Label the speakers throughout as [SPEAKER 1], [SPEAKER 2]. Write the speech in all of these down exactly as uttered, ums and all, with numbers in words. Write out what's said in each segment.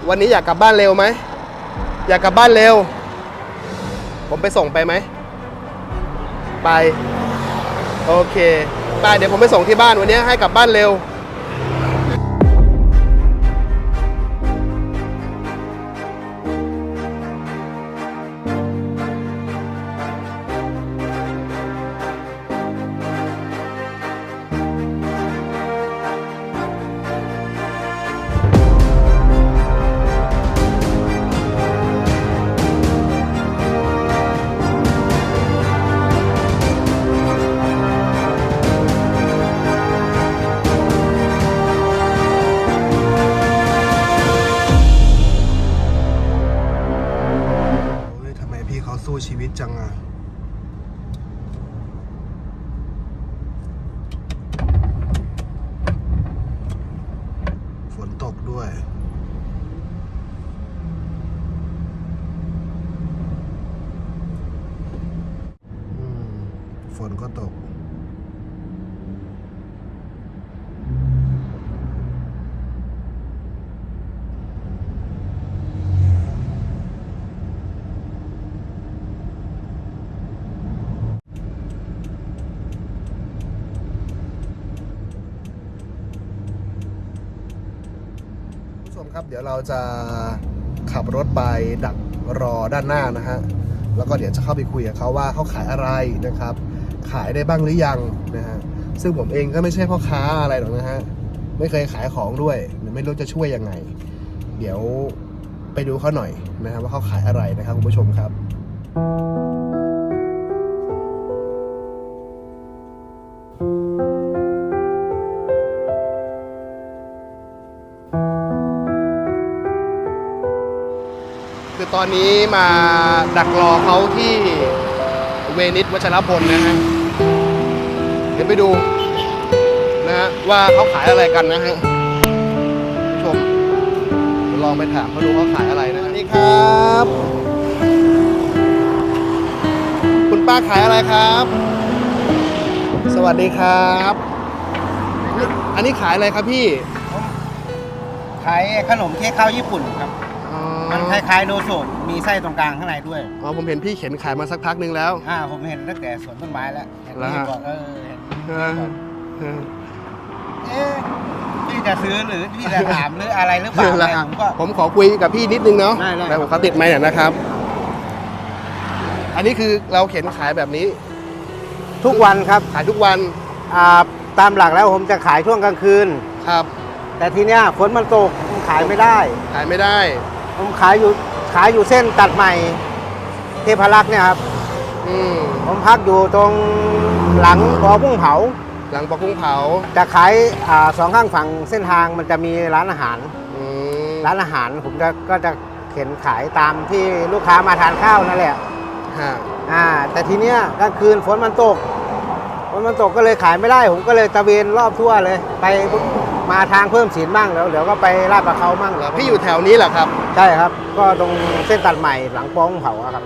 [SPEAKER 1] วันนี้อยากกลับบ้านเร็วไหมอยากกลับบ้านเร็วผมไปส่งไปไหมไปโอเคไปเดี๋ยวผมไปส่งที่บ้านวันนี้ให้กลับบ้านเร็วสู้ชีวิตจังอ่ะฝนตกด้วยฝนก็ตกครับเดี๋ยวเราจะขับรถไปดักรอด้านหน้านะฮะแล้วก็เดี๋ยวจะเข้าไปคุยกับเขาว่าเขาขายอะไรนะครับขายได้บ้างหรือยังนะฮะซึ่งผมเองก็ไม่ใช่พ่อค้าอะไรหรอกนะฮะไม่เคยขายของด้วยไม่รู้จะช่วยยังไงเดี๋ยวไปดูเขาหน่อยนะครับว่าเขาขายอะไรนะครับคุณผู้ชมครับคือตอนนี้มาดักรอเขาที่เวนิสวัชรพลนะฮะเดี๋ยวไปดูนะฮะว่าเขาขายอะไรกันนะฮะผู้ชมลองไปถามเขาดูเขาขายอะไรนะสวัสดีครับคุณป้าขายอะไรครับสวัสดีครับอันนี้ขายอะไรครับพี่
[SPEAKER 2] ขายขนมเค้กข้าวญี่ปุ่นครับมันคล้ายๆโดโซะมีไส้ตรงกลางข้างในด้วย
[SPEAKER 1] อ๋อผมเห็นพี่เข็นขายมาสักพักนึงแล้ว
[SPEAKER 2] อ่าผมเห็นตั้งแต่สวนต้นไม้แล้วเห็นพี่บอกเออเห็นเอ๊ะพี่จะซื้อหรือพี่จะถามหรืออะไรหรือเปล่าผมก็
[SPEAKER 1] ผมขอคุยกับพี่นิดนึงเนาะ
[SPEAKER 2] แต่
[SPEAKER 1] ผมเขาติดไมค์เนี่ยนะครับอันนี้คือเราเข็นขายแบบนี้
[SPEAKER 2] ทุกวันครับ
[SPEAKER 1] ขายทุกวัน
[SPEAKER 2] อ่าตามหลักแล้วผมจะขายช่วงกลางคืน
[SPEAKER 1] ครับ
[SPEAKER 2] แต่ทีเนี้ยฝนมันตกผมขายไม่ได้
[SPEAKER 1] ขายไม่ได้
[SPEAKER 2] ผมขายอยู่ขายอยู่เส้นตัดใหม่เทพรักษ์เนี่ยครับ
[SPEAKER 1] อืม
[SPEAKER 2] ผมพักอยู่ตรงหลังปอกุ้งเผา
[SPEAKER 1] หลังปอกุ้งเผา
[SPEAKER 2] จะขายอ่าสองข้างฝั่งเส้นทางมันจะมีร้านอาหารร้านอาหารผมจะก็จะเข็นขายตามที่ลูกค้ามาทานข้าวนั่นแหละ
[SPEAKER 1] ฮะ
[SPEAKER 2] อ่าแต่ทีเนี้ยกลางคืนฝนมันตกฝนมันตกก็เลยขายไม่ได้ผมก็เลยตะเวนรอบทั่วเลยไปมาทางเพิ่มศีลบ้างแล้วเดี๋ยวก็ไปลาดปลาเขาบ้าง
[SPEAKER 1] แล้วพี่อยู่แถวนี้เหรอครับ
[SPEAKER 2] ใช่ครับก็ตรงเส้นตัดใหม่หลังป้องเผาครับ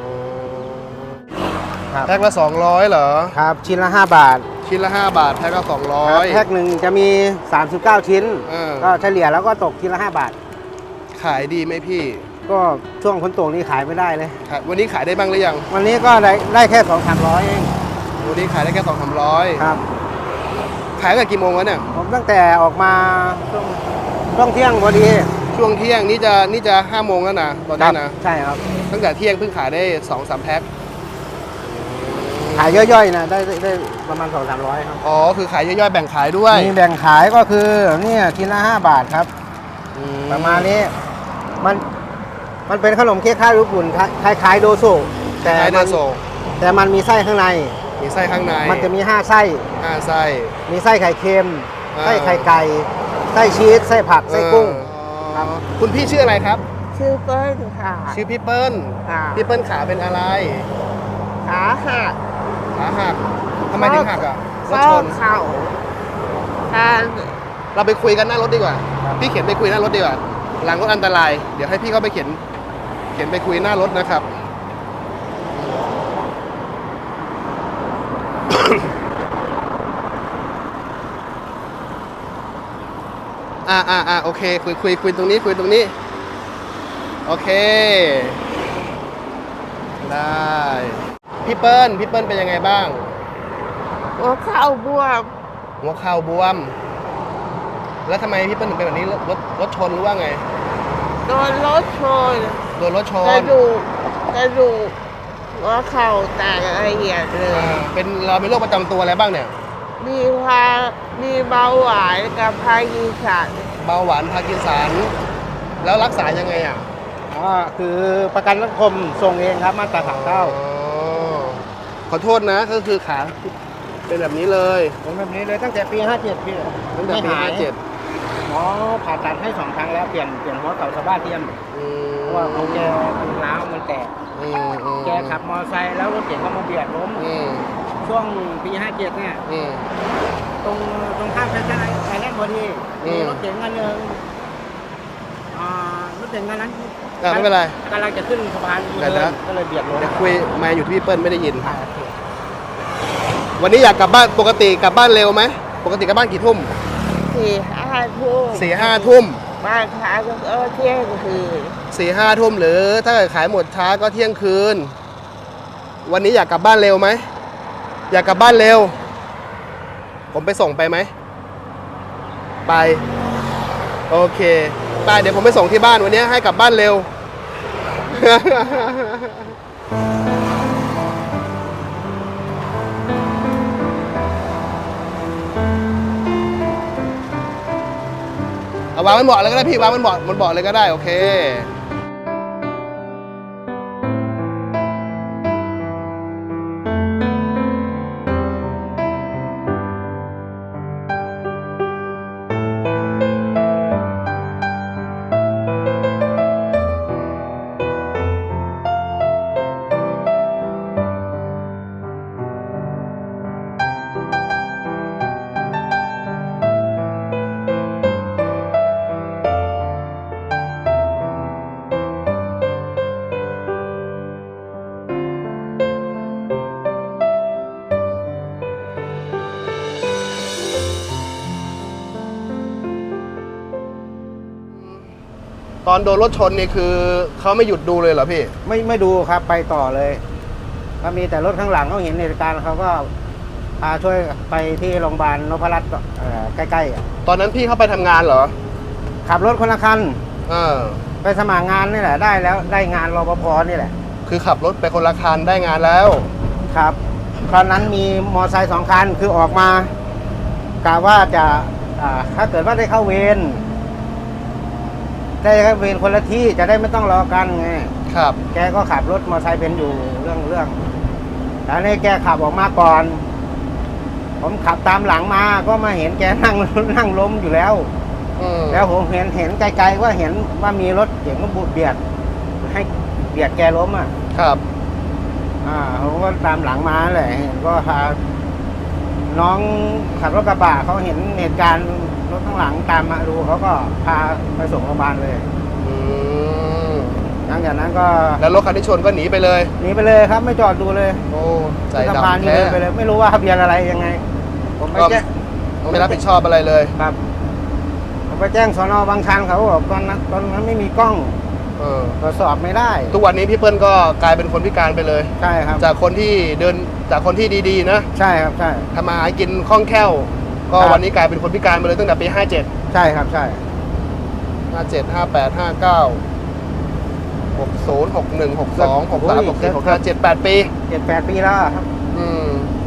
[SPEAKER 1] แพ็คละสองร้อยเหรอ
[SPEAKER 2] ครับชิ้นละห้าบาท
[SPEAKER 1] ชิ้นละห้าบาทแพ็คละสองร้อย
[SPEAKER 2] แพ็คหนึ่งจะมีสามสิบเก้าชิ้นก็เฉลี่ยแล้วก็ตกชิ้นละห้าบาท
[SPEAKER 1] ขายดีไหมพี่
[SPEAKER 2] ก็ช่วงฝนตกนี่ขายไม่ได้เลย
[SPEAKER 1] วันนี้ขายได้บ้างหรือยัง
[SPEAKER 2] วันนี้ก็ได้ได้แค่สองสามร้อยเอง
[SPEAKER 1] วันนี้ขายได้แค่สองสามร้อย
[SPEAKER 2] ครับ
[SPEAKER 1] ขายตั้งแต่กี่โมงวะเนี่ย
[SPEAKER 2] ผมตั้งแต่ออกมาช่วงช่วงเที่ยงพอดี
[SPEAKER 1] ช่วงเที่ยงนี่จะนี่จะห้าโมงแล้วนะตอนนี้นะ
[SPEAKER 2] ใช่ครับ
[SPEAKER 1] ตั้งแต่เที่ยงเพิ่งขายได้สองสามแพ็ค
[SPEAKER 2] ขายย่อยๆนะได้ได้ประมาณสองสามร้อยครับ
[SPEAKER 1] อ๋อคือขายย่อยๆแบ่งขายด้วย
[SPEAKER 2] มีแบ่งขายก็คือเนี่ยชิ้นละห้าบาทครับประมาณนี้มันมันเป็นขนมเค้กข้าวญี่ปุ่นคล้ายๆโดโซะแต่มันแต่มันมีไส้ข้างใน
[SPEAKER 1] มีไส้ข้างใน
[SPEAKER 2] มันจะมีห้าไส้
[SPEAKER 1] ห้าไส้
[SPEAKER 2] มีไส้ไข่เค็มไส้ไข่ไก่ไส้ชีสไส้ผักไส้กุ้ง
[SPEAKER 1] ครับคุณพี่ชื่ออะไรครับ
[SPEAKER 3] ชื่อเปิ้ลค่ะ
[SPEAKER 1] ชื่อพี่เปิ้ลพี่เปิ้ลขาเป็นอะไร
[SPEAKER 3] ขาหัก
[SPEAKER 1] ขาหักทำไมถึงหักอ่ะ
[SPEAKER 3] รถชนเข่า
[SPEAKER 1] เราไปคุยกันหน้ารถดีกว่าพี่เข็นไปคุยหน้ารถดีกว่าหลังรถอันตรายเดี๋ยวให้พี่เขาไปเข็นเข็นไปคุยหน้ารถนะครับอ่าอ่าอ่าโอเคคุยคุยคุยตรงนี้คุยตรงนี้โอเค ได้ พี่เปิ้ล พี่เปิ้ลเป็นยังไงบ้าง
[SPEAKER 3] หัวเข่าบวม
[SPEAKER 1] หัวเข่าบวม แล้วทำไมพี่เปิ้ลถึงเป็นแบบนี้ รถรถชนหรือว่าไง
[SPEAKER 3] โดนรถชน
[SPEAKER 1] โดนรถช
[SPEAKER 3] กระ
[SPEAKER 1] น
[SPEAKER 3] ดูกกระดูกหัวเข่าแตกละเอียดเลย
[SPEAKER 1] อ่าเป็นเราเป็นโรคประจำตัวอะไรบ้างเนี่ย
[SPEAKER 3] มีพามีเบาหวานกับพากีสัน
[SPEAKER 1] เบาหวานพาร์กินสัน แล้วรักษายังไงอ่ะ
[SPEAKER 2] อ๋อคือประกันสังคมส่งเองครับมาตราสามเก้า
[SPEAKER 1] อ๋อขอโทษนะก็คือขาเป็นแบบนี้เลย
[SPEAKER 2] ผมแบบนี้เลยตั้งแต่ปีห้าเจ็ดพี่
[SPEAKER 1] ตั้งแต่ปี
[SPEAKER 2] ไม่หา
[SPEAKER 1] ห้าย เจ็ด
[SPEAKER 2] หมอผ่าตัดให้สองครั้งแล้วเปลี่ยนเปลี่ยนหัวเข่าสะบ้าเทียม
[SPEAKER 1] อืม
[SPEAKER 2] เพราะว่าของแกมันร้าวมันแตก
[SPEAKER 1] อืมอืม
[SPEAKER 2] แกขับมอเตอร์ไซค์แล้วรถเก๋งก็มาเบียดล้ม
[SPEAKER 1] อืม
[SPEAKER 2] ช่วงปีห้าเจ็ดเนี่ย
[SPEAKER 1] อืม
[SPEAKER 2] ตรงตรงข้ามแฟชั่นไอแลนด์พอดี
[SPEAKER 1] อื
[SPEAKER 2] มี
[SPEAKER 1] ม
[SPEAKER 2] รถเก๋งคันหนึ่งอ่ารถเก๋งคันนั้น
[SPEAKER 1] อ่ะไม่เป็นไร
[SPEAKER 2] กำลังจะขึ้นสะพาน
[SPEAKER 1] เดี๋ยวนะ
[SPEAKER 2] ก็เลยเบียดล้ม
[SPEAKER 1] เดี๋ยวคุยมาอยู่ที่พี่เปิ้ลไม่ได้ยิน
[SPEAKER 2] อ่าโอเค
[SPEAKER 1] วันนี้อยากกลับบ้านปกติกลับบ้านเร็วไหมปกติกลับบ้านกี่ทุ่ม
[SPEAKER 3] สี่ห้าทุ่ม
[SPEAKER 1] สี่ห้าทุ่ม
[SPEAKER 3] บ้านค้าก็เออเที่ยงคืน
[SPEAKER 1] สี่ห้าทุ่มหรือถ้าเกิดขายหมดช้าก็เที่ยงคืน วันนี้อยากกลับบ้านเร็วไหมอยากกลับบ้านเร็ว ผมไปส่งไปไหมไปโอเคไปเดี๋ยวผมไปส่งที่บ้านวันนี้ให้กลับบ้านเร็ว เอาวางมันเบาะเลยก็ได้พี่วางมันเบาะมันเบาะเลยก็ได้โอเคตอนโดนรถชนนี่คือเขาไม่หยุดดูเลยเหรอพี่
[SPEAKER 2] ไม่ไม่ดูครับไปต่อเลยก็มีแต่รถข้างหลังเขาเห็นเหตุการณ์เขาก็พาช่วยไปที่โรงพยาบาลนพรัตน์เอ่อใกล้ๆอ่ะ
[SPEAKER 1] ตอนนั้นพี่เข้าไปทำงานเหรอ
[SPEAKER 2] ขับรถคนละคัน
[SPEAKER 1] เออ
[SPEAKER 2] ไปสมัครงานนี่แหละได้แล้วได้งานรปภนี่แหละ
[SPEAKER 1] คือขับรถไปคนละคันได้งานแล้ว
[SPEAKER 2] ครับตอนนั้นมีมอเตอร์ไซค์สองคันคือออกมากะว่าจะอ่าถ้าเกิดว่าได้เข้าเวรได้เข้าเวรคนละที่จะได้ไม่ต้องรอกันไง
[SPEAKER 1] ครับ
[SPEAKER 2] แกก็ขับรถมอเตอร์ไซค์เป็นอยู่เรื่องเรื่องแต่นี่แกขับออกมาก่อน ผมขับตามหลังมาก็มาเห็นแกนั่ง นั่งล้มอยู่แล้ว
[SPEAKER 1] อืม
[SPEAKER 2] แล้วผมเห็นเห็นไกลๆว่าเห็นว่ามีรถเก๋งก็บุดเบียด ให้เบียดแกล้มอ่ะ
[SPEAKER 1] ครับ
[SPEAKER 2] อ่าผมก็ตามหลังมาแหละเห็นก็พาน้องขับรถกระบะเขาเห็นเหตุการณ์รถข้างหลังตามมาดูเขาก็พาไปส่งโรงพยาบาลเลย
[SPEAKER 1] อืม
[SPEAKER 2] หลังจากนั้นก็
[SPEAKER 1] แล้วรถคันที่ชนก็หนีไปเลย
[SPEAKER 2] หนีไปเลยครับไม่จอดดูเลย
[SPEAKER 1] โอ้ใจ
[SPEAKER 2] สะพาน
[SPEAKER 1] ดำ
[SPEAKER 2] นี่
[SPEAKER 1] แท้
[SPEAKER 2] เดินไปเลย ไม่รู้ว่าทะเบียนอะไรยังไง ผมไป
[SPEAKER 1] ก็
[SPEAKER 2] แจ้ง
[SPEAKER 1] ไม่รับผิดชอบอะไรเลย
[SPEAKER 2] ครับผมไปแจ้งสนบางชันเขาบอกตอนนั้นตอนนั้นไม่มีกล้อง
[SPEAKER 1] เออ
[SPEAKER 2] ตรวจสอบไม่ได้
[SPEAKER 1] ทุกวันนี้พี่เปิ้ลก็กลายเป็นคนพิการไปเลย
[SPEAKER 2] ใช่ครับ
[SPEAKER 1] จากคนที่เดินจากคนที่ดีๆนะ
[SPEAKER 2] ใช่ครับใช่
[SPEAKER 1] ทำมาหากินคล่องแคล่ว ก็
[SPEAKER 2] ครับ
[SPEAKER 1] วันนี้กลายเป็นคนพิการไปเลยตั้งแต่ปีห้าเจ็ด
[SPEAKER 2] ใช่ครับใช่
[SPEAKER 1] ห้าเจ็ด ห้าแปด ห้าเก้า หกศูนย์ หกหนึ่ง หกสอง หกสาม หกสี่ หกห้า เจ็ด แปดปี
[SPEAKER 2] เจ็ดแปดปีแล้วครับ
[SPEAKER 1] อืม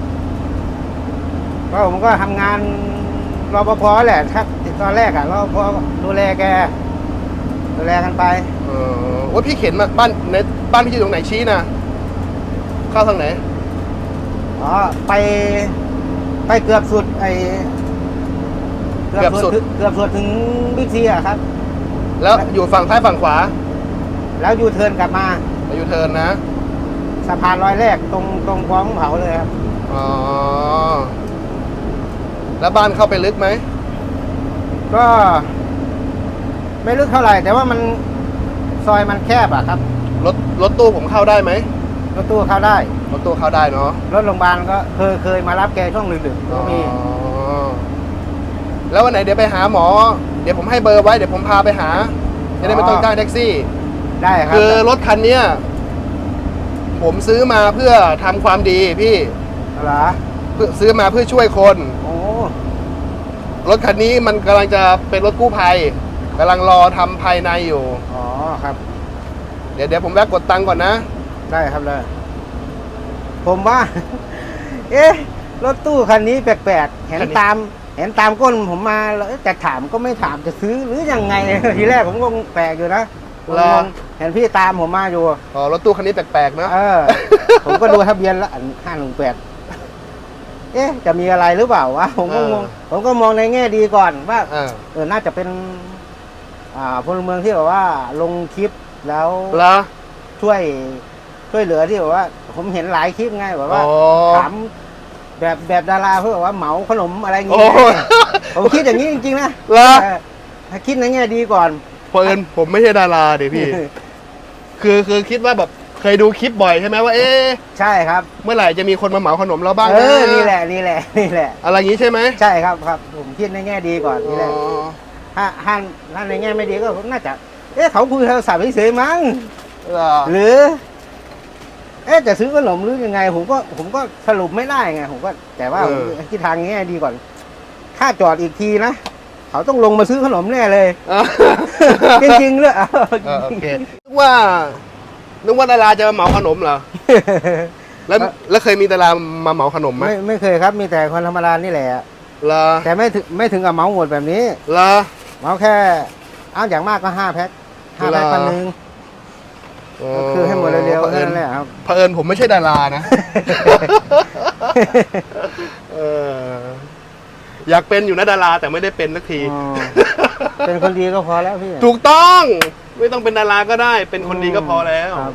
[SPEAKER 2] ก็ผมก็ทำงานรปภแหละถ้าตอนแรกอะรปภดูแลแกดูแลกันไป
[SPEAKER 1] เออว่าพี่เข็นมาบ้านในบ้านพี่อยู่ตรงไหนชี้นะเข้าทางไหน
[SPEAKER 2] อ๋อไปไปเกือบสุดไอ
[SPEAKER 1] เกือบสุด
[SPEAKER 2] ถึงเกือบสุดถึงบิ๊กซีอะครับ
[SPEAKER 1] แล้วอยู่ฝั่งซ้ายฝั่งขวา
[SPEAKER 2] แล้วยูเทิร์นกลับมา
[SPEAKER 1] อายุเทิร์นนะ
[SPEAKER 2] สะพานลอยแรกตรงตรงคลองเผาเลยครับ
[SPEAKER 1] อ๋อ แล้วบ้านเข้าไปลึกไหม
[SPEAKER 2] ก็ไม่ลึกเท่าไหร่ แต่ว่ามันซอยมันแคบอะครับ
[SPEAKER 1] รถรถตู้ผมเข้าได้ไหม
[SPEAKER 2] รถตู้เข้าได้
[SPEAKER 1] รถตู้เข้าได้เนาะ
[SPEAKER 2] รถโรงพยาบาลก็เคยเคยมารับแกช่วงดึกๆก็มี
[SPEAKER 1] อ๋อแล้ววันไหนเดี๋ยวไปหาหมอ เดี๋ยวผมให้เบอร์ไว้ เดี๋ยวผมพาไปหา จะได้ไม่ต้องจ้างแท็กซี่
[SPEAKER 2] ได้ครับ
[SPEAKER 1] คือรถคันเนี้ยผมซื้อมาเพื่อทำความดีพี่
[SPEAKER 2] เหรอ
[SPEAKER 1] เพื่อซื้อมาเพื่อช่วยคน
[SPEAKER 2] โอ้
[SPEAKER 1] รถคันนี้มันกำลังจะเป็นรถกู้ภัยกำลังรอทำภายในอยู่
[SPEAKER 2] อ๋อครับ
[SPEAKER 1] เดี๋ยวเดี๋ยวผมแวะกดตังค์ก่อนนะ
[SPEAKER 2] ได้ครับเลยผมว่า เอ๊ะรถตู้คันนี้แปลกๆเห็น
[SPEAKER 1] คันนี้
[SPEAKER 2] ตามเห็นตามก้นผมมาแล้วจะถามก็ไม่ถามจะซื้อหรือยังไง ทีแรกผมก็แปลกอยู่นะผมงงเห็นพี่ตามผมมาอยู่
[SPEAKER 1] อ๋อรถตู้คันนี้แปลกๆนะ
[SPEAKER 2] เออ ผมก็ดูทะเบียนละห้าหนึ่งแปดเอ๊ะจะมีอะไรหรือเปล่าวะผมก็งงผมก็มองในแง่ดีก่อนว่า
[SPEAKER 1] อ่า
[SPEAKER 2] เออน่าจะเป็น อ่าพลเมืองที่แบบว่าลงคลิปแล้ว
[SPEAKER 1] เหรอ
[SPEAKER 2] ช่วยช่วยเหลือที่แบบว่า ผมเห็นหลายคลิปไงแบบว่า
[SPEAKER 1] อ๋อ
[SPEAKER 2] ถามแบบแบบดาราเพื่อแบบว่าเหมาขนมอะไรอย่าง
[SPEAKER 1] โอ้
[SPEAKER 2] เงี้ยผมคิดอย่างนี้จริงๆนะ
[SPEAKER 1] เหรอ
[SPEAKER 2] เออถ้าคิดในแง่ดีก่อน
[SPEAKER 1] เพิ่นผมไม่ใช่ดาราเดี๋ยวพี่ คือคือคิดว่าแบบเคยดูคลิปบ่อยใช่ไหมว่า เอ๊ะ
[SPEAKER 2] ใช่ครับ
[SPEAKER 1] เมื่อไหร่จะมีคนมาเหมาขนมเราบ้าง
[SPEAKER 2] เอ
[SPEAKER 1] นะ
[SPEAKER 2] อนี่แหละนี่แหละนี่แหละ
[SPEAKER 1] อะไรอย่างนี้ใช่ไหม
[SPEAKER 2] ใช่ครับครับ ผมคิดในแง่ดีก่อนนี่แหละ
[SPEAKER 1] อ๋อ
[SPEAKER 2] ถ้าถ้าถ้าในแง่ไม่ดีก็น่าจะ เอ๊ะเขาคุยโทรศัพท์เฉยๆมั้ง
[SPEAKER 1] เหรอ
[SPEAKER 2] หรือ เอ๊ะจะซื้อขนมหรือยังไง ผมก็ผมก็สรุปไม่ได้ไงผมก็แต่ว่าผมคิดทางแง่ดีก่อน ถ้าจอดอีกทีนะเขาต้องลงมาซื้อขนมแน่เลย
[SPEAKER 1] อ่ะ
[SPEAKER 2] จริงๆเลย
[SPEAKER 1] เออโอเคนึกว่านึกว่าดาราจะมาเหมาขนมเหรอแล้วแล้วเคยมีดารามาเหมาขนมไหม
[SPEAKER 2] ไม่ไม่เคยครับมีแต่คนธรรมดานี่แหละ
[SPEAKER 1] เหรอ
[SPEAKER 2] แต่ไม่ถึงไม่ถึงกับเหมาหมดแบบนี้
[SPEAKER 1] เหรอ
[SPEAKER 2] เหมาแค่เอาอย่างมากก็ห้าแพ็คห้าแพ็ค
[SPEAKER 1] เหรอ
[SPEAKER 2] พันหนึ่งก็คือให้หมดเร็วๆ
[SPEAKER 1] เผ
[SPEAKER 2] แค่
[SPEAKER 1] อิญ
[SPEAKER 2] นั้นแหละครับ
[SPEAKER 1] เผอิญผมไม่ใช่ดารานะ เอออยากเป็นอยู่นะดาราแต่ไม่ได้เป็นสักที
[SPEAKER 2] อ๋อเป็นคนดีก็พอแล้วพี่
[SPEAKER 1] ถูกต้อง ไม่ต้องเป็นดาราก็ได้ เป็นคนดีก็พอแล้ว
[SPEAKER 2] ครับ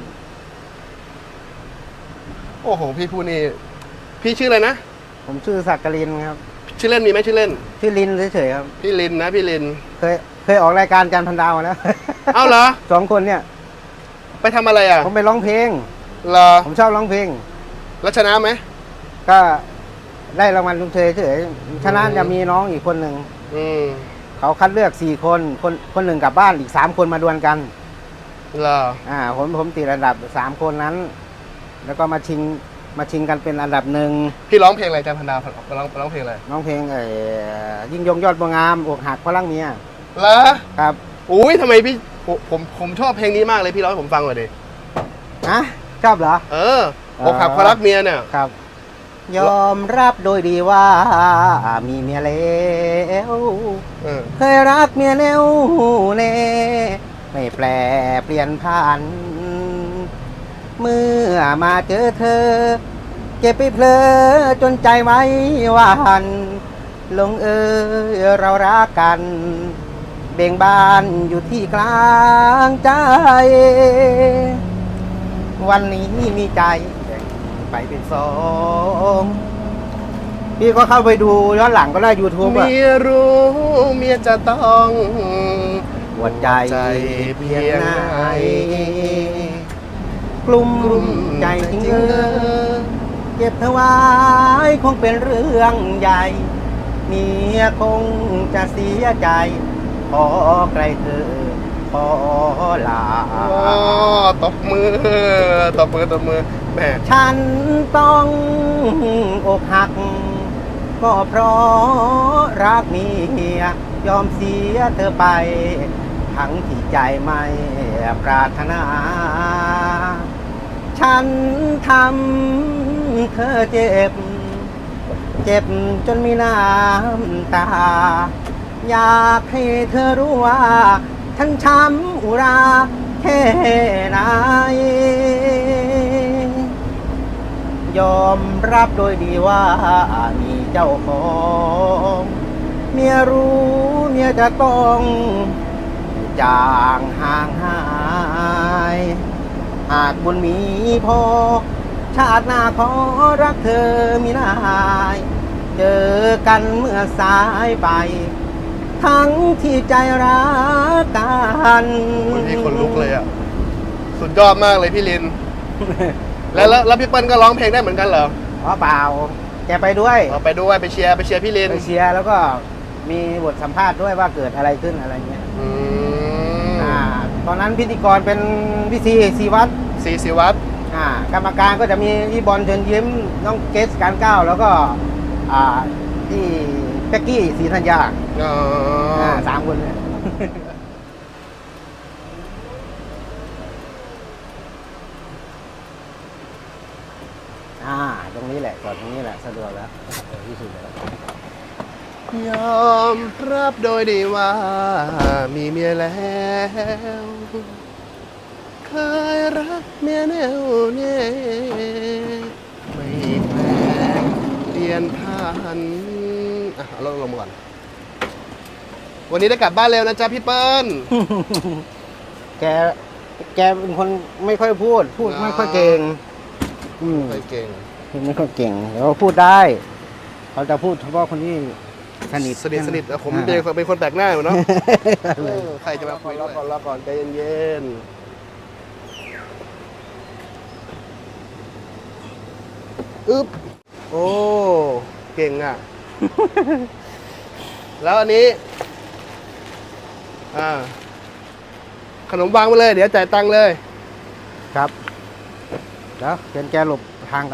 [SPEAKER 1] โอ้โห พี่พูดนี่พี่ชื่ออะไรนะ
[SPEAKER 2] ผมชื่อศักดิ์กลินครับ
[SPEAKER 1] ชื่อเล่นมีไหมชื่อเล่น
[SPEAKER 2] ชื่อลินเฉยๆครับ
[SPEAKER 1] พี่ลินนะพี่ลิน
[SPEAKER 2] เคยเคยออกรายการจันทร์พันดาวมาแล้ว
[SPEAKER 1] เอ้าเหรอ
[SPEAKER 2] สองคนเนี่ย
[SPEAKER 1] ไปทำอะไรอ่ะ
[SPEAKER 2] ผมไปร้องเพลง
[SPEAKER 1] เหรอ
[SPEAKER 2] ผมชอบร้องเพลง
[SPEAKER 1] แล้วชนะไหม
[SPEAKER 2] ก็ได้รางวัลลุงเฉยเฉยๆชนะจะมีน้องอีกคนหนึ่ง
[SPEAKER 1] อืม
[SPEAKER 2] เขาคัดเลือกสี่คนคนคนหนึ่งกลับบ้านอีกสามคนมาดวลกัน
[SPEAKER 1] เหรอ
[SPEAKER 2] อ่าผมผมติดอันดับสามคนนั้น แล้วก็มาชิงมาชิงกันเป็นอันดับหนึ่ง
[SPEAKER 1] พี่ร้องเพลงอะไรจันพันดาวร้องร้องเพลงอะไร
[SPEAKER 2] น้องเพลงเอ่อยิ่งยงยอดบัวงามอกหักเพราะรักเมีย
[SPEAKER 1] เหรอ
[SPEAKER 2] ครับ
[SPEAKER 1] อุ้ยทำไมพี่ผมผมผมชอบเพลงนี้มากเลยพี่ร้องให้ผมฟังหน่อยดิ
[SPEAKER 2] นะชอบเหรอ
[SPEAKER 1] เอออกหักเพราะรักเมียเนี่ย
[SPEAKER 2] ครับ ยอมรับโดยดีว่ามีเมียแล้ว
[SPEAKER 1] เออ
[SPEAKER 2] เคยรักเมียแน่วแน่ไม่แปลเปลี่ยนผ่าน เมื่อมาเจอเธอ เก็บไปเพลอจนใจไว้หวานลงเอยเรารักกัน เบ่งบานอยู่ที่กลางใจ วันนี้มีใจแบ่งไปเป็นสองพี่ก็เข้าไปดูย้อนหลังก็ได้ YouTube อ่ะ
[SPEAKER 1] เมียรู้เมียจะต้อง
[SPEAKER 2] หัวใจ
[SPEAKER 1] ใจ
[SPEAKER 2] เพี
[SPEAKER 1] เพี
[SPEAKER 2] ย
[SPEAKER 1] ย
[SPEAKER 2] ง
[SPEAKER 1] ง
[SPEAKER 2] ไหน
[SPEAKER 1] ไหน
[SPEAKER 2] กลุ่ม
[SPEAKER 1] กลุ่ม
[SPEAKER 2] ใจ
[SPEAKER 1] ใจ
[SPEAKER 2] จริง
[SPEAKER 1] จริง
[SPEAKER 2] เอ
[SPEAKER 1] เอ
[SPEAKER 2] อ
[SPEAKER 1] อ
[SPEAKER 2] เก็บเธอไว้คงเป็นเรื่องใหญ่ เมียคงจะเสียใจ ขอไกลเธอ ขอลา
[SPEAKER 1] อ๋อตบมือตบมือตบมือแหม
[SPEAKER 2] ฉันต้องอกหัก ก็เพราะรักเมียยอมเสียเธอไป ทั้งที่ใจไม่ปรารถนา ฉันทำเธอเจ็บ เจ็บจนมีน้ำตา อยากให้เธอรู้ว่า ฉันช้ำอุราแค่ไหน ยอมรับโดยดีว่ามีเจ้าของ เมียรู้เมียจะต้องจางห่างหาย หากบุญมีพอ ชาติหน้าขอรักเธอมีนาย เจอกันเมื่อสายไป ทั้งที่ใจรักกัน
[SPEAKER 1] คนที่คนลุกเลยอ่ะ สุดยอดมากเลยพี่ลิน แล้วแล้วแล้วพี่เปิ้ลก็ร้องเพลงได้เหมือนกันเหรอ
[SPEAKER 2] อ๋อเปล่า แกไปด้วย
[SPEAKER 1] เอาไปด้วยไปเชียร์ไปเชียร์พี่ลิน
[SPEAKER 2] ไปเชียร์แล้วก็มีบทสัมภาษณ์ด้วยว่าเกิดอะไรขึ้นอะไรเงี้ย
[SPEAKER 1] อืม
[SPEAKER 2] อ่า พตอนนั้นพิธีกรเป็นพี่ซีซีวัตร
[SPEAKER 1] ซีซีวัตร
[SPEAKER 2] อ่ากรรมการก็จะมีพี่บอลเชิญยิ้มน้องเกสการก้าวแล้วก็อ่าที่เป๊กกี้ศรีธัญญา
[SPEAKER 1] อ๋อ
[SPEAKER 2] อ่าสามคนเนี่ย อ่าตรงนี้แหละจอดตรงนี้แหละสะดวกแล้วเออที่สุดแล้ว
[SPEAKER 1] ยอมรับโดยดีว่ามีเมียแล้ว เคยรักเมียแนวแน่ไม่แปลกเปลี่ยนผ่านอ่ะเอาลงลงมาก่อน วันนี้ได้กลับบ้านเร็วนะจ๊ะพี่เปิ้ล
[SPEAKER 2] แก แกเป็นคนไม่ค่อยพูด พูดไม่ค่อยเก่ง อืม
[SPEAKER 1] ไม่เก่ง
[SPEAKER 2] พูดไม่ค่อยเก่งแต่ว่าพูดได้ เขาจะพูดเฉพาะคนที่สนิท
[SPEAKER 1] สนิทสนิทแต่ผม
[SPEAKER 2] อ่า
[SPEAKER 1] เป็นเป็นคนแปลกหน้าอยู่เนาะ เออใครจะมาคุยรอก่อนรอก่อนใจเย็นๆอึ๊บโอ้เก่งอ่ะ แล้วอันนี้ อ่า ขนมวางไปเลย เดี๋ยวจ่ายตังค์เลย
[SPEAKER 2] ครับเดี๋ยวเชิญแกหลบทางกัน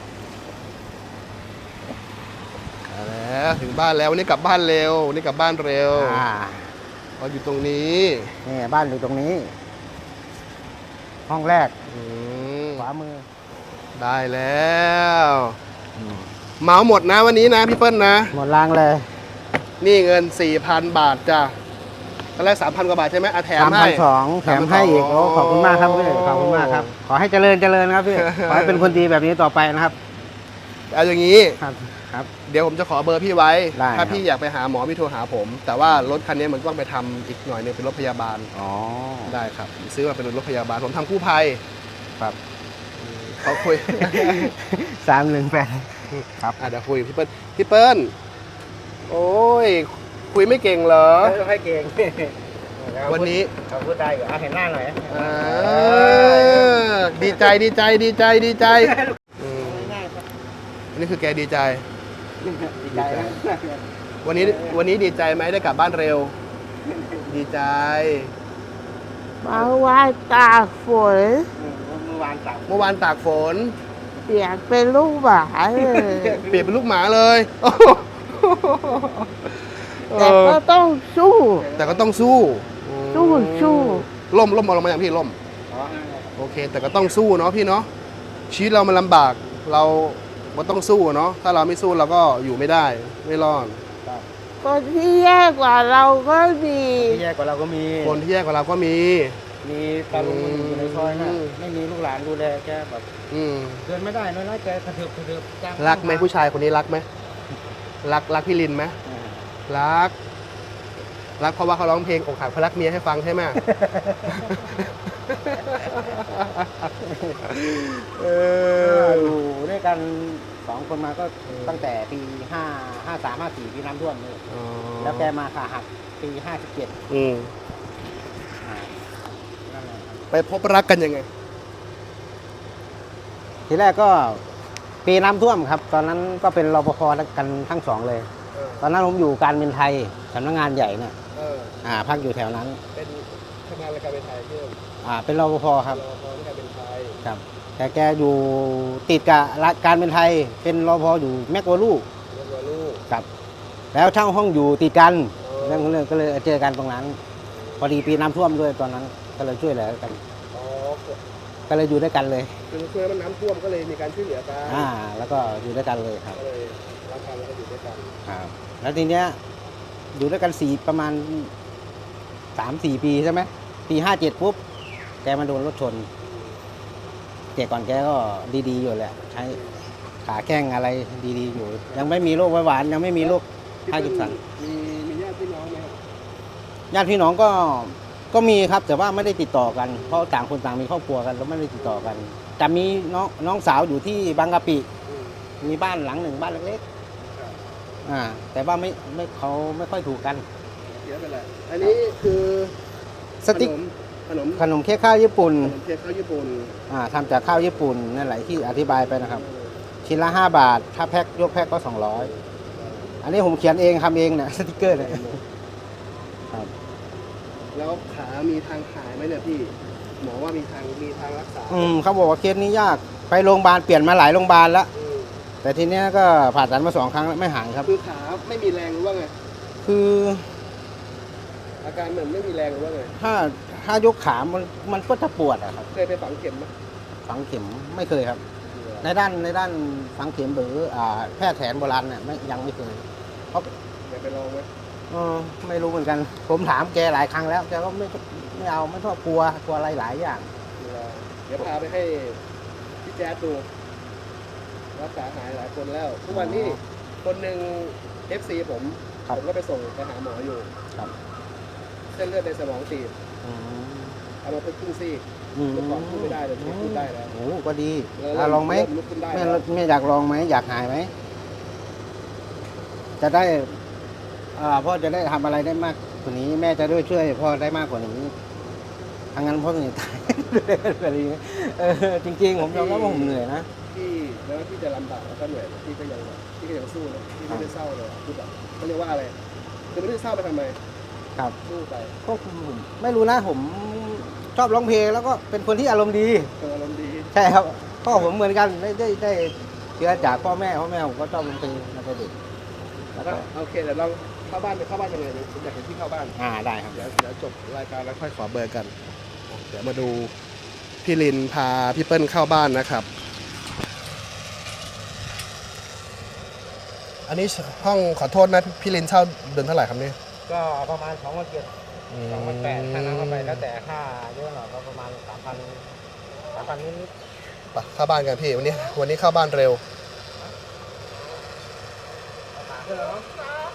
[SPEAKER 1] เอาแล้วถึงบ้านแล้ววันนี้กลับบ้านเร็ววันนี้กลับบ้านเร็ว
[SPEAKER 2] อ่า
[SPEAKER 1] เราอยู่ตรงนี้
[SPEAKER 2] นี่บ้านอยู่ตรงนี้ ห้องแรก
[SPEAKER 1] อืม
[SPEAKER 2] ขวามือ
[SPEAKER 1] ได้แล้วเหมาหมดนะวันนี้นะพี่เปิ้ลนะ
[SPEAKER 2] หมดรางเลย
[SPEAKER 1] นี่เงิน สี่พัน บาทจ้ะตอนแรก สามพัน กว่าบาทใช่ไหมอ่ะแถม
[SPEAKER 2] สามพั
[SPEAKER 1] ให้
[SPEAKER 2] นสองแถมให้อีกโอ้ขอบคุณมากครับพี่ขอบคุณมากครับ ขอให้เจริญเจริญครับพี่ ขอให้เป็นคนดีแบบนี้ต่อไปนะครับ
[SPEAKER 1] เอาอย่างนี้
[SPEAKER 2] ครับ ครับ
[SPEAKER 1] เดี๋ยวผมจะขอเบอร์พี่ไว้
[SPEAKER 2] ได้
[SPEAKER 1] ถ้า
[SPEAKER 2] ครับ
[SPEAKER 1] พี่อยากไปหาหมอพี่โทรหาผม แต่ว่ารถคันนี้มันต้องไปทำอีกหน่อยหนึงเป็นรถพยาบาล
[SPEAKER 2] อ๋อ
[SPEAKER 1] ได้ครับ ซื้อมาเป็นรถพยาบาล ผมทำกู้ภัย
[SPEAKER 2] ครับ
[SPEAKER 1] เขาคุย
[SPEAKER 2] สามหนึ่งแปดครับ
[SPEAKER 1] อ่ะเดี๋ยวคุยกับพี่เปิ้ลพี่เปิ้ลโอ้ย คุยไม่เก่งเหรอ
[SPEAKER 2] ต้องให้เก่ง
[SPEAKER 1] วันนี้
[SPEAKER 2] เขาพูดได้อยู่เอาเห็นหน้าหน่อย
[SPEAKER 1] อ่าดีใจดีใจดีใจดีใจอืม
[SPEAKER 2] ง่ายๆครับ
[SPEAKER 1] อันนี้คือแกดีใจ
[SPEAKER 2] ดีใจนะ
[SPEAKER 1] วันนี้วันนี้ดีใจไหมได้กลับบ้านเร็ว ดีใจ
[SPEAKER 3] มาว่าตากฝน
[SPEAKER 2] เมื่อวานสั่ง
[SPEAKER 1] เมื่อวานตากฝน
[SPEAKER 3] เปลี่ยนเป็นลูกหมาเลย
[SPEAKER 1] เปลี่ยนเป็นลูกหมาเลย
[SPEAKER 3] แต่ก็ต้องสู้
[SPEAKER 1] แต่ก็ต้องสู้
[SPEAKER 3] สู้สู้
[SPEAKER 1] ล่มล่มเอาลงมาอย่างพี่ล่ม โอเค แต่ก็ต้องสู้เนาะพี่เนาะชีวิตเรามันลำบาก เราก็ต้องสู้เนาะถ้าเราไม่สู้เราก็อยู่ไม่ได้ไม่รอด
[SPEAKER 3] คนที่แย่กว่าเราก็มี
[SPEAKER 2] ที่แย่กว่าเราก็มี
[SPEAKER 1] คนที่แย่กว่าเราก็มี
[SPEAKER 2] มีตาลุงอยู่ในซอยน่ะ
[SPEAKER 1] อืม
[SPEAKER 2] ไม่มีลูกหลานดูแลแกแบบ
[SPEAKER 1] อืม
[SPEAKER 2] เดินไม่ได้น้อยๆแกกระเถิบกระเถิบจ้าง
[SPEAKER 1] รักไหมผู้ชายคนนี้รักไหมรักรักพี่ลินไหม
[SPEAKER 2] อ่า
[SPEAKER 1] รัก รักเพราะว่าเขาร้องเพลงอกหักเพราะรักเมียให้ฟังใช่ไหม เออ
[SPEAKER 2] อยู่ด้วยกันสองคนมาก็ตั้งแต่ปีห้าห้าสามห้าสี่ปีน้ำท่วมเลย
[SPEAKER 1] อ๋อ
[SPEAKER 2] แล้วแกมาขาหักปีห้าสิบเจ็ด
[SPEAKER 1] อืม
[SPEAKER 2] นั่นแหละครับ
[SPEAKER 1] ไปพบรักกันยังไง
[SPEAKER 2] ทีแรกก็ปีน้ำท่วมครับ ตอนนั้นก็เป็นรปภกันทั้งสองเลย
[SPEAKER 1] เออ
[SPEAKER 2] ตอนนั้นผมอยู่การบินไทยสำนักงานใหญ่เนี่ย
[SPEAKER 1] เออ
[SPEAKER 2] อ่าพักอยู่แถวนั้น
[SPEAKER 1] เป็นทำงานรายการเป็นไทยเพิ่ม
[SPEAKER 2] อ่าเป็นรปภครับ
[SPEAKER 1] รอพอที่การเป็นไทย
[SPEAKER 2] ครับแต่แกอยู่ติดกับการเป็นไทย เป็นรปภอยู่แมกวาลู
[SPEAKER 1] เรียกว่าลูก
[SPEAKER 2] ครับ แล้วเช่าห้องอยู่ติดกัน
[SPEAKER 1] อ๋อ
[SPEAKER 2] เรื่องของเรื่องก็เลยเจอกันตรงนั้น พอดีปีน้ำท่วมด้วยตอนนั้น ก็เลยช่วยเหลือกัน
[SPEAKER 1] อ๋อ
[SPEAKER 2] ก็เลยอยู่ด้วยกันเลย
[SPEAKER 1] คือช่วยมันน้ำท่วมก็เลยมีการช่วยเหลือกัน
[SPEAKER 2] อ่า แล้วก็อยู่ด้วยกันเลยครับ
[SPEAKER 1] ก็เลยรักกันแล้วก็อยู่ด้วยกัน
[SPEAKER 2] ครับแล้วทีเนี้ยอยู่ด้วยกันสี่ประมาณสามสี่ปีใช่ไหมปีห้าเจ็ดปุ๊บแกมาโดนรถชนแต่ก่อนแกก็ดีๆอยู่แหละใช้ขาแข้งอะไรดีๆอยู่ ยังไม่มีโรคเบาหวานยังไม่มีโรคพาร์กินสัน
[SPEAKER 1] มีมีญาติพี่น้องไหมครับ
[SPEAKER 2] ญาติพี่น้องก็ก็มีครับ แต่ว่าไม่ได้ติดต่อกันเพราะต่างคนต่างมีครอบครัวกันแล้วไม่ได้ติดต่อกันแต่มีน้องน้องสาวอยู่ที่บางกะปิ
[SPEAKER 1] อืม
[SPEAKER 2] มีบ้านหลังหนึ่งบ้านเล็ก
[SPEAKER 1] ครับ
[SPEAKER 2] ๆอ่า แต่ว่าไม่ไม่เขาไม่ค่อยถูกกัน
[SPEAKER 1] เดี๋ยวเป็นไรอันนี้คือ
[SPEAKER 2] สติ๊ก
[SPEAKER 1] ขนม
[SPEAKER 2] ขนมเค้กข้าวญี่ปุ่น
[SPEAKER 1] ขนมเค้กข้าวญี่ปุ่น
[SPEAKER 2] อ่าทำจากข้าวญี่ปุ่นนั่นแหละที่อธิบายไปนะครับ ชิ้นละห้าบาท ถ้าแพ็คยกแพ็คก็สองร้อยอันนี้ผมเขียนเองทำเองเนี่ย สติกเกอร์เนี่ยครับ
[SPEAKER 1] แล้วขามีทางหายไหมเนี่ยพี่หมอว่ามีทางมีทางรักษา
[SPEAKER 2] อืมเขาบอกว่าเคสนี้ยากไปโรงพยาบาลเปลี่ยนมาหลายโรงพยาบาลแล้ว
[SPEAKER 1] อืม
[SPEAKER 2] แต่ทีเนี้ยก็ผ่าตัดมาสองครั้งแล้วไม่หายครับ
[SPEAKER 1] คือขาไม่มีแรงหรือว่าไง
[SPEAKER 2] คือ
[SPEAKER 1] อาการเหมือนไม่มีแรงหรือว่าไง
[SPEAKER 2] ถ้าถ้ายกขามันมันก็จะปวดอะครับ
[SPEAKER 1] เคยไปฝังเข็มไหม
[SPEAKER 2] ฝังเข็มไม่เคยครับ ในด้านในด้านฝังเข็มหรืออ่าแพทย์แผนโบราณเนี่ยไม่ยังไม่เคยเพราะ
[SPEAKER 1] อยากไปลองไหม
[SPEAKER 2] เออไม่รู้เหมือนกัน ผมถามแกหลายครั้งแล้วแกก็ไม่ไม่เอาไม่ชอบกลัวกลัวอะไรหลายอย่าง
[SPEAKER 1] เดี๋ยวพาไปให้พี่แจ๊ดดูรักษาหายหลายคนแล้วทุกวันนี้คนหนึ่ง เอฟ ซี ผม
[SPEAKER 2] ครับ
[SPEAKER 1] ผมก็ไปส่งไปหาหมออยู่
[SPEAKER 2] ครับ
[SPEAKER 1] เส้นเลือดในสมองตีบ
[SPEAKER 2] อืม
[SPEAKER 1] เอามาเพิ่งครึ่งซี่
[SPEAKER 2] อืม
[SPEAKER 1] เมื่อก่อนพูดไม่ได้เลยทีนี้พูดได้แล้ว
[SPEAKER 2] โอ้ก็ดี
[SPEAKER 1] เริ่
[SPEAKER 2] อ่ะลองไหม
[SPEAKER 1] เริ่ลุกขึ้นได้
[SPEAKER 2] แม่
[SPEAKER 1] แล้ว
[SPEAKER 2] แม่อยากลองไหมอยากหายไหมจะได้อ่าพ่อจะได้ทำอะไรได้มากกว่านี้ แม่จะด้วยช่วยพ่อได้มากกว่านี้ทางนั้นพ่อเหนื่อยตาย อะไรอย่างเงี้ยเออจริงๆผมยอมรับว่าผมเหนื่อยนะ
[SPEAKER 1] พี่แล้วพี่จะลำบากแล้วก็เหนื่อยพี่ก็ยังแบบพี่ก็ยังสู้นะพี่ไม่ได้เศร้าเลยคือแบบเขาเรียกว่าอะไรคือไม่ได้เศร้าไปทำไม
[SPEAKER 2] ครับ
[SPEAKER 1] สู้ไป
[SPEAKER 2] ก็ผมไม่รู้นะผมชอบร้องเพลงแล้วก็เป็นคนที่อารมณ์ดี
[SPEAKER 1] เป็นอารมณ์ดี
[SPEAKER 2] ใช่ครับพ่อผมเหมือนกันได้ได้ได้เชื้อจากพ่อแม่พ่อแม่ผมก็ชอบร้องเพลงมาตั้งแต่เด็กแล้ว
[SPEAKER 1] ก็
[SPEAKER 2] ก็
[SPEAKER 1] โอเคเดี๋ยวเราเข้าบ้านไปเข้าบ้านยังไงผมอยากเห็นพี่เข้าบ้าน
[SPEAKER 2] อ่าได้ครับ
[SPEAKER 1] เดี๋ยวเดี๋ยวจบรายการแล้วค่อยขอเบอร์กัน เดี๋ยวมาดูพี่ลินพาพี่เปิ้ลเข้าบ้านนะครับ อันนี้ห้องขอโทษนะพี่ลินเช่าเดือนเท่าไหร่ครับเนี่ย
[SPEAKER 2] ก็ประมาณสองพันเจ็ดสองพันแปดค่าน้ำเข้าไปแล้วแต่ค่าเยอะหน่อยก็ประมาณสามพันสามพันนิด
[SPEAKER 1] ไปเข้าบ้านกันพี่วันนี้วันนี้เข้าบ้านเร็ว
[SPEAKER 2] ๆขาขึ้นแล้วเนาะ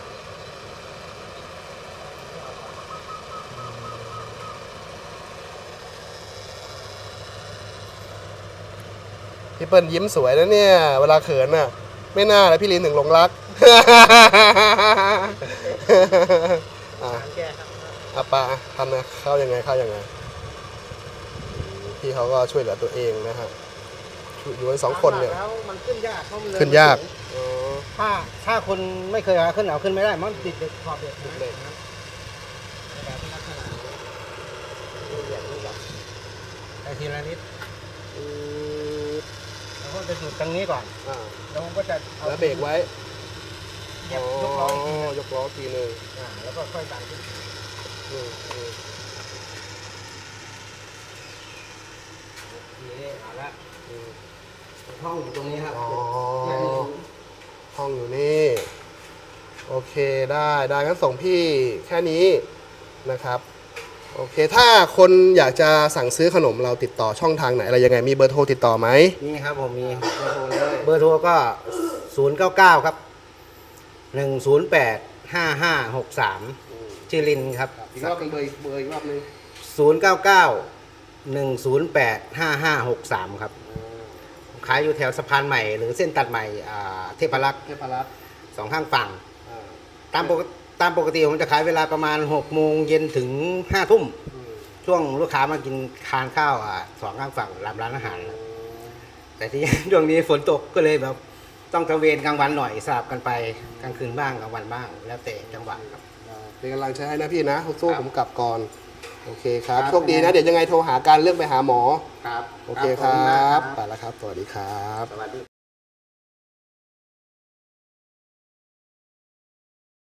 [SPEAKER 1] พี่เปิ้ลยิ้มสวยนะเนี่ย เวลาเขินน่ะ ไม่น่าเลยพี่ลินถึงหลงรัก อ่ะ
[SPEAKER 2] แกครับ
[SPEAKER 1] อาปาทำนะเข้ายังไงเข้ายังไงอืมพี่เขาก็ช่วยเหลือตัวเองนะฮะอยู่กันสองคนเนี่ย
[SPEAKER 2] แล้วมันขึ้นยากเพราะมันเนิ
[SPEAKER 1] ขึ้นยากอ๋อ
[SPEAKER 2] ถ้าถ้าคนไม่เคยหาขึ้นเอาขึ้นไม่ได้มันติดเด็กขอบเด็ก
[SPEAKER 1] เด็ก
[SPEAKER 2] นะแบบลักษณะนี้เหยียบนี่แบบไอทีละนิด
[SPEAKER 1] อืม
[SPEAKER 2] แล้วก็จะหยุดตรงนี้ก่อน
[SPEAKER 1] อ่า
[SPEAKER 2] แล้วผมก็จะอา
[SPEAKER 1] แล้วเบรกไว้
[SPEAKER 2] เหยียบยกล้ออีกทีหนึ่ง
[SPEAKER 1] ยกล้อทีหนึ่ง
[SPEAKER 2] อ่าแล้วก็ค่อยดันขึ้น
[SPEAKER 1] อืมอืม
[SPEAKER 2] ทีนี้เอาละ
[SPEAKER 1] อืม
[SPEAKER 2] ห้องอยู่ตรงนี้ครับ
[SPEAKER 1] อ๋อ
[SPEAKER 2] เนี่ยนี่
[SPEAKER 1] ห้องอยู่นี่ โอเคได้ได้งั้นส่งพี่แค่นี้นะครับ โอเค ถ้าคนอยากจะสั่งซื้อขนมเราติดต่อช่องทางไหนอะไรยังไงมีเบอร์โทรติดต่อไหม
[SPEAKER 2] นี่ครับผมมีเบอร์โทรเลยเบอร์โทรก็ศูนย์เก้าเก้าครับหนึ่งศูนย์แปดห้าห้าหกสามชื่อลินครับ
[SPEAKER 1] อีกรอบหนึงเบอร์เบอร์อีกรอบหนึง
[SPEAKER 2] ศูนย์เก้าเก้าหนึ่งศูนย์แปดห้าห้าหกสามครับขายอยู่แถวสะพานใหม่หรือเส้นตัดใหม่อ่าเทพรักษ์
[SPEAKER 1] เทพรัตน์
[SPEAKER 2] สองข้างฝั่ง
[SPEAKER 1] อ่า
[SPEAKER 2] ตามปกติตามปกติผมจะขายเวลาประมาณหกโมงเย็นถึงห้าทุ่ม
[SPEAKER 1] อืม
[SPEAKER 2] ช่วงลูกค้ามากินทานข้าวอ่าสองข้างฝั่งร้านร้านอาหาร แต่ที่ ช่วงนี้ฝนตกก็เลยแบบต้องตระเวนกลางวันหน่อยสลับกันไปกลางคืนบ้างกลางวันบ้าง แล้วแต่จังหวะครับ
[SPEAKER 1] เป็นกำลังใจให้นะพี่นะสู้
[SPEAKER 2] ครับ
[SPEAKER 1] ผมกลับก่อน โอเคครับ
[SPEAKER 2] ครับ
[SPEAKER 1] โชคดีนะ เดี๋ยวยังไงโทรหาการเรื่องไปหาหมอ
[SPEAKER 2] ครับ
[SPEAKER 1] โอเคครับ ไปแล้วครับ สวัสดีครับ
[SPEAKER 2] สวัสดี